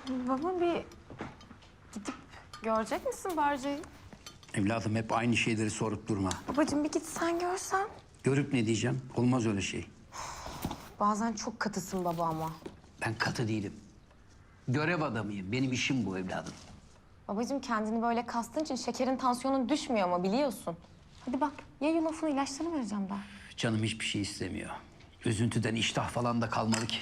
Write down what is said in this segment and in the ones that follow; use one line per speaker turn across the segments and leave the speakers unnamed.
Baba bir gidip görecek misin Barca'yı?
Evladım hep aynı şeyleri sorup durma.
Babacığım bir git sen görsen.
Görüp ne diyeceğim? Olmaz öyle şey.
Bazen çok katısın baba ama.
Ben katı değilim. Görev adamıyım. Benim işim bu evladım.
Babacığım kendini böyle kastığın için şekerin tansiyonun düşmüyor ama biliyorsun. Hadi bak ya yulafını ilaçlarını vereceğim daha.
Canım hiçbir şey istemiyor. Üzüntüden iştah falan da kalmadı ki.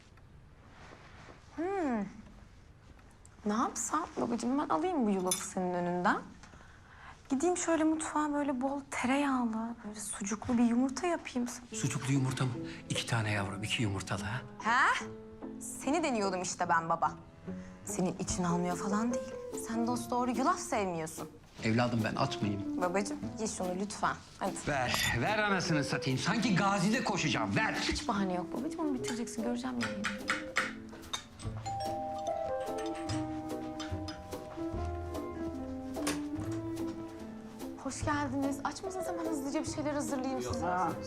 Ne yapsam babacığım ben alayım bu yulafı senin önünden. Gideyim şöyle mutfağa böyle bol tereyağlı, böyle sucuklu bir yumurta yapayım.
Sucuklu yumurta mı? 2 tane yavrum, 2 yumurtalı ha?
He? Seni deniyordum işte ben baba. Senin için almıyor falan değil. Sen dosdoğru yulaf sevmiyorsun.
Evladım ben atmayayım.
Babacığım ye şunu lütfen. Hadi.
Ver anasını satayım. Sanki Gazi'de koşacağım, ver.
Hiç bahane yok babacığım, onu bitireceksin. Göreceğim yemeğini. Hoş geldiniz. Aç mısınız? Hemen hızlıca bir şeyler hazırlayayım size.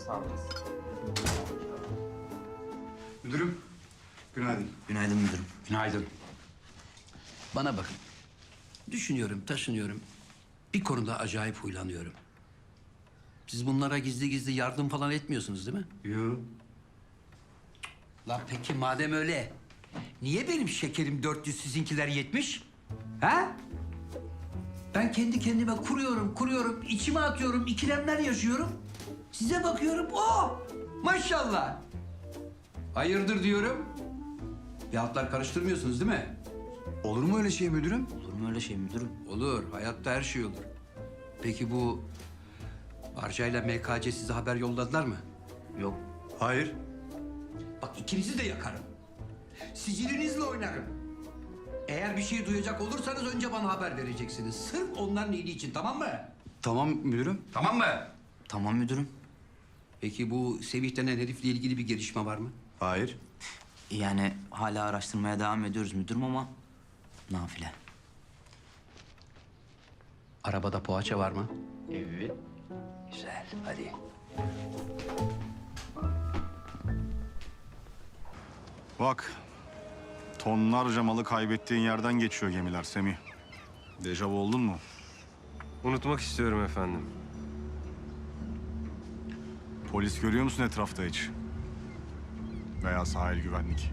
Müdürüm, günaydın.
Günaydın müdürüm.
Günaydın. Bana bakın. Düşünüyorum, taşınıyorum. Bir konuda acayip huylanıyorum. Siz bunlara gizli gizli yardım falan etmiyorsunuz değil mi?
Yok.
La peki madem öyle, niye benim şekerim 400, sizinkiler 70? Ha? Ben kendi kendime kuruyorum, içime atıyorum, ikilemler yaşıyorum. Size bakıyorum, oh! Maşallah! Hayırdır diyorum. Bir hatlar karıştırmıyorsunuz değil mi?
Olur mu öyle şey müdürüm?
Olur mu öyle şey müdürüm?
Olur, hayatta her şey olur. Peki bu Barca'yla MKC size haber yolladılar mı?
Yok.
Hayır.
Bak ikinizi de yakarım. Sicilinizle oynarım. Eğer bir şey duyacak olursanız önce bana haber vereceksiniz. Sırf onların iyiliği için, tamam mı?
Tamam müdürüm.
Tamam mı?
Tamam müdürüm.
Peki bu Sevih denen herifle ilgili bir gelişme var mı?
Hayır.
Yani hala araştırmaya devam ediyoruz müdürüm ama nafile.
Arabada poğaça var mı?
Evet.
Güzel, hadi.
Bak, tonlarca malı kaybettiğin yerden geçiyor gemiler Semih. Dejavu oldun mu?
Unutmak istiyorum efendim.
Polis görüyor musun etrafta hiç? Veya sahil güvenlik.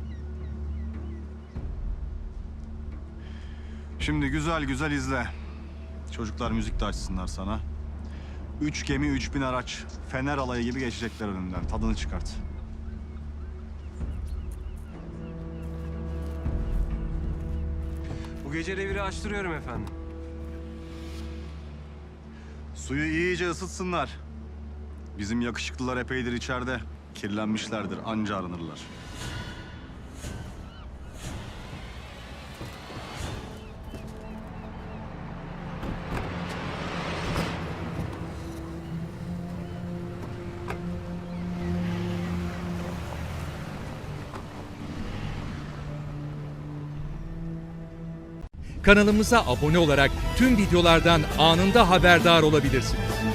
Şimdi güzel güzel izle. Çocuklar müzik de açsınlar sana. 3 gemi, 3000 araç. Fener alayı gibi geçecekler önünden. Tadını çıkart.
Bu gece reviri açtırıyorum efendim.
Suyu iyice ısıtsınlar. Bizim yakışıklılar epeydir içeride. Kirlenmişlerdir, anca aranırlar.
Kanalımıza abone olarak tüm videolardan anında haberdar olabilirsiniz.